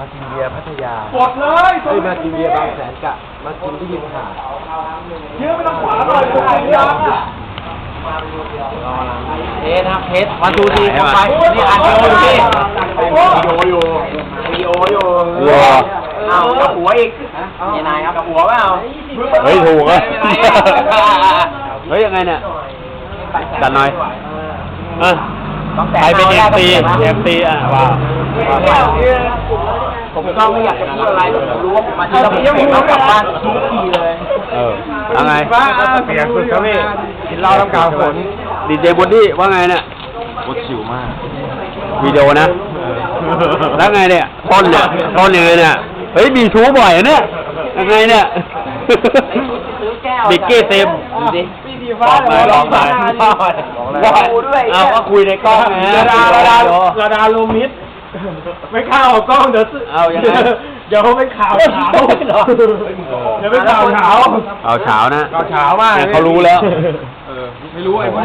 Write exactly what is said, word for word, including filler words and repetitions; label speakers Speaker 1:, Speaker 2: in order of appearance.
Speaker 1: กินเบียร์พัทยา
Speaker 2: ปลดเลย
Speaker 1: เฮ้ยมากินเบียร์บางแสนกะมากินที่ริมหาด
Speaker 2: เยอะไม่ต้องขวาหน่อยตัวเองยังอ่ะ
Speaker 1: เทสครับเทสวันดูดีเข้าไปนี่อัดวิดีโออยู่วิดีโออยู่วิดีโออยู่ เอากับหัวอีกยังไงครับกับหัวเปล่า
Speaker 3: เฮ้ยถูกอ่ะ
Speaker 1: ไม่เป็นไรอะ
Speaker 3: เฮ้ยยังไงเนี่ยจัดหน่อยเออ
Speaker 1: ต้องแตะ
Speaker 3: ใครเป็นเอฟซี
Speaker 1: เอา
Speaker 3: เอ
Speaker 1: ได้
Speaker 3: ฟซีอ่ะว้าว
Speaker 1: ผมก็ไม่อยากจะพูดอะไรผมรู้ว่าผมมาที่เราผมต้องกลับบ้านทุกทีเลย
Speaker 3: เออว่าไง
Speaker 1: เสียงสุดครับพี่กินเหล้าน้ำกาวฝน
Speaker 3: ดีเจบอดี้ว่าไงเนี่ย
Speaker 1: โคตรชิวมาก
Speaker 3: วิดีโอนะ แล้วไงเนี่ยต้นเนี่ยต้นยังไงเนี่ยเฮ้ยมีชู้บ่อยอะเนี่ยยังไงเนี่ยบิกกี้เต็มบอกไปบอกไปว่าเอาก็คุยในกล้องไง
Speaker 2: ระดาระดาระดาลมมิดไม่เข้ากล้องเดี๋ยว
Speaker 3: เอายังไง
Speaker 2: เดี๋ยวเขาเป็นข่าวเช้าเดี๋ยวเป็นข่าวเช้า
Speaker 3: เอาเฉานะ
Speaker 2: ข่าวเช้ามาก
Speaker 3: เนี่ยเขารู้แล้ว
Speaker 2: ไม่รู้ไอ้